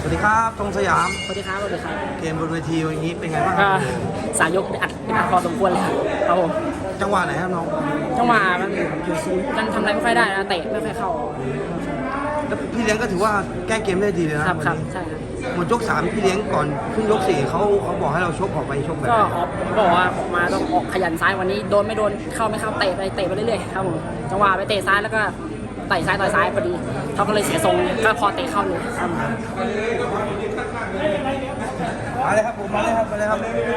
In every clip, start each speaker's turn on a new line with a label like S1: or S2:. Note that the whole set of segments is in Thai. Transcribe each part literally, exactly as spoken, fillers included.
S1: สวัสดีครับธงสยาม
S2: สวัสดีครับสวัสดีครับ
S1: เกมบนเวทีวันนี้เป็นไงบ้างค
S2: ก็
S1: รับ
S2: สายยกอัดเป็นอัดพอสมควรเลยครับผม
S1: จังหวะไหนครับน้อง
S2: จังหวะมันมันทำอะไรไม่ค่อยได้นะเตะไม่ค่อยเข้า
S1: แล้วพี่เลี้ยงก็ถือว่าแก้เกมได้ดีเลยนะครับ
S2: ครับใช่ครับ
S1: หมดยกสามพี่เลี้ยงก่อนขึ้นยกสี่เขาเขาบอกให้เราชกออกไปชกแบบ
S2: ก็บอกว่าออกมาต้องออกขยันซ้ายวันนี้โดนไม่โดนเข้าไม่เข้าเตะไปเตะไปเรื่อยๆครับผมจังหวะไปเตะซ้ายแล้วก็เตะซ้ายต่อยซ้ายพอดีเขาก็เลยเสียทรงก็พอเตะเข้าเลยครับ
S1: มาเลยครับผมมาเลยครับมาเลยครับ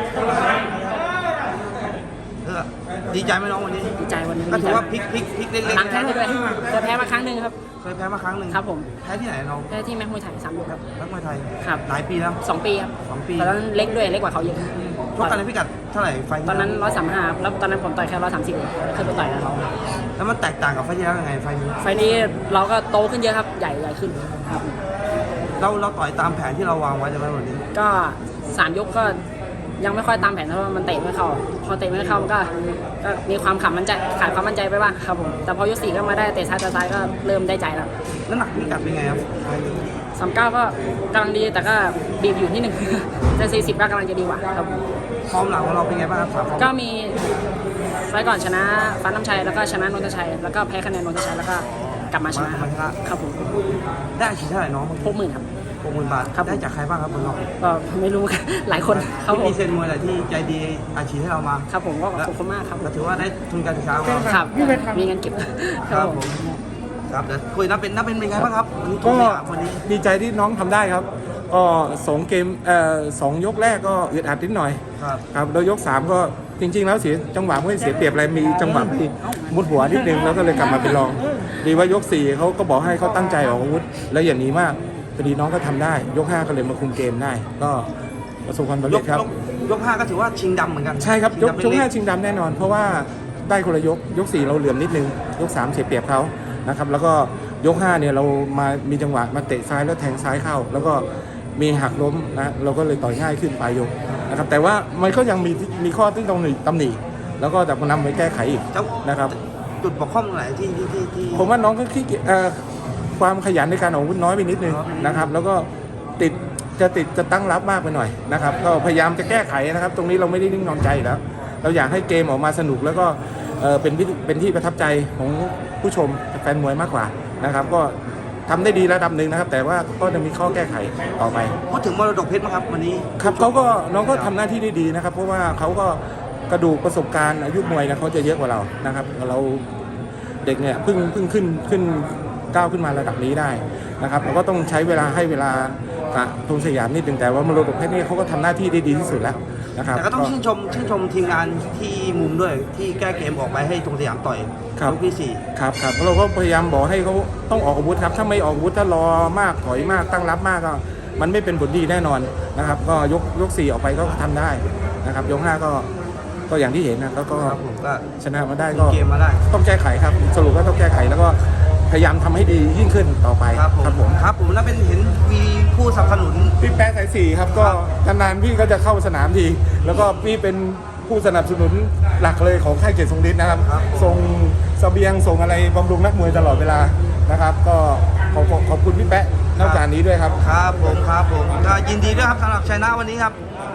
S1: เออดีใจไหมน้องวันนี้
S2: ดีใจวันนี้
S1: ก็ถือว่าพลิกพลิกพลิกเล็กๆ
S2: หลังแพ้ไปด้วยเคยแพ้มาครั้งหนึ่งครับ
S1: เคยแพ้มาครั้งหนึ่ง
S2: ครับผม
S1: แพ้ที่ไหนน้อง
S2: แพ้ที่แม็กมวยไทยสามยกครับ
S1: แม็กมวยไทย
S2: ครับ
S1: หลายปีแล้ว
S2: สองปีครับ
S1: สองปี
S2: ตอนนั้นเล็กด้วยเล็กกว่าเขาเยอะ
S1: ชกกันในพิกัดเท่าไหร่ไฟ
S2: ตอนนั้นร้อยสามห้าแล้วตอนนั้นผมต่อยแค่ร้อยสามสิบเคยไปต่อยกับเขา
S1: แล้วมันแตกต่างกับไฟที่แล้วยังไงไฟนี้
S2: ไฟนี้เราก็โตขึ้นเยอะครับใหญ่ใหญ่ขึ้นครับ
S1: เราเราต่อยตามแผนที่เราวางไว้ใช่ไหมวันนี้
S2: ก็สามยกก็ยังไม่ค่อยตามแผนเพราะว่ามันเตะไม่เข้าพอเตะไม่เข้ามันก็ก็มีความขำมันใจขาดความมั่นใจไปบ้างครับผมแต่พอยกสี่ก็มาได้เตะซ้ายต่อซ้ายก็เริ่มได้ใจแล้ว
S1: น้ำหนักพิกัดเป็นไงครับ
S2: สามเก้าก็กำลังดีแต่ก็บีบอยู่นิดนึงแต่สี่สิบก็กำลังจะดีกว่าครับ
S1: ฟอร์มหลังของเราเป็นไงบ้างครับสามฟอร์ม
S2: ก็มีไฟก่อนชนะฟ้าน้ำชัยแล้วก็ชนะนนทชัยแล้วก็แพ้คะแนนนนทชัยแล้วก็กลับมาชนะครับครับผม
S1: ได้อาชีพเท่าไหร่น้อง
S2: หกหมื่นครับ
S1: หกหมื่นบาทได้จากใครบ้างครับคุณน้อง
S2: ก็ไม่รู้หลายคน
S1: ครับผมมีเซนมวยอะไรที่ใจดีอาชีพให้เรามา
S2: ครับผมก็ขอบคุณมากครับ
S1: ก็ถือว่าได้ทุนการศึกษา
S2: ครับมีเงินเก็บ
S1: ครับผมครับเดี๋ยวคุยนับเป็นนับเป็นเป็นไงบ้างครับ
S3: ก็ดีใจที่น้องทำได้ครับก็สองเกมเอ่อสองยกแรกก็อึดอัดนิดหน่อย
S1: ครับ
S3: ครับแล้วยกสามก็จริงๆแล้วเสียจังหวะไม่เสียเปรียบอะไรมีจังหวะที่มุดหัวนิดนึงแล้วก็เลยกลับมาเป็นรองดีว่ายกสี่เขาก็บอกให้เขาตั้งใจออกอาวุธและอย่างนี้มากพอดีน้องก็ทำได้ยกห้าก็เลยมาคุมเกมได้ก็ประสบความสำเร็จครับ
S1: ยกห้าก็ถือว่าชิงดำเหมือนกัน
S3: ใช่ครับยกยกห้าชิงดำแน่นอนเพราะว่าได้คนละยกยกสี่เราเหลื่อมนิดนึงยกสามเสียเปรียบเขานะครับแล้วก็ยกห้าเนี่ยเรามามีจังหวะมาเตะซ้ายแล้วแทงซ้ายเข้าแล้วก็มีหักล้มนะเราก็เลยต่อยง่ายขึ้นปลายยกนะครับแต่ว่ามันก็ยังมีมีข้อที่ต้องตำหนิแล้วก็แต่นำไปแก้ไขอีกนะครับ
S1: จุดบกพร่องไหนที่ที่ที่
S3: ผมว่าน้องก็ขี้เอ่อความขยันในการออกอาวุธน้อยไปนิดนึงนะครับแล้วก็ติดจะติดจะตั้งรับมากไปหน่อยนะครับก็พยายามจะแก้ไขนะครับตรงนี้เราไม่ได้นิ่งนอนใจแล้วเราอยากให้เกมออกมาสนุกแล้วก็เป็นเป็นที่ประทับใจของผู้ชมแฟนมวยมากกว่านะครับก็ทำได้ดีระดับหนึ่งนะครับแต่ว่าก็จะมีข้อแก้ไขต่อไป
S1: พูดถึงมรดกเพชรไหมครับวันนี้
S3: ครับเขาก็น้องก็ทำหน้าที่ได้ดีนะครับเพราะว่าเขาก็กระดูกประสบการณ์อายุมวยนะเขาจะเยอะกว่าเรานะครับเราเด็กเนี่ยเพิ่งเพิ่งขึ้นขึ้นก้าวขึ้นมาระดับนี้ได้นะครับเราก็ต้องใช้เวลาให้เวลากับธงสยามนิดนึงแต่ว่ามรดกเพชรนี่เขาก็ทำหน้าที่ได้ดีที่สุดแล้วนะครับ
S1: แต่ก็ต้องชื่นชมชื่นชมทีมงานที่มุมด้วยที่แก้เกมออกไปให้ธงสยามต่อย
S3: ครับ
S1: ที่สี่
S3: ครับครับเราก็พยายามบอกให้เขาต้องออกอาวุธครับถ้าไม่ออกอาวุธถ้ารอมากถอยมากตั้งรับมากก็มันไม่เป็นผลดีแน่นอนนะครับก็ยกยกสี่ออกไปก็ทำได้นะครับยกห้าก็ก็อย่างที่เห็นนะแล้วก็ชนะมาได้ก็
S1: เกมมาได้
S3: ต้องแก้ไขครับสรุปก็ต้องแก้ไขแล้วก็พยายามทำให้ดียิ่งขึ้นต่อไป
S1: ครับผมครับผมแล้วเป็นเห็นมีผู้สนับสนุน
S3: พี่แป๊ะสายสี่ครับก็นานๆพี่ก็จะเข้าสนามทีแล้วก็พี่เป็นผู้สนับสนุนหลักเลยของค่ายเกียรติทรงฤทธิ์นะครับส่งเสบียงส่งอะไรบำรุงนักมวยตลอดเวลานะครับก็ขอบขอบคุณพี่แป๊ะนอกจากนี้ด้วยครับ
S1: ครับผมครับผมก็ยินดีด้วยครับสำหรับชัยนะวันนี้ครับ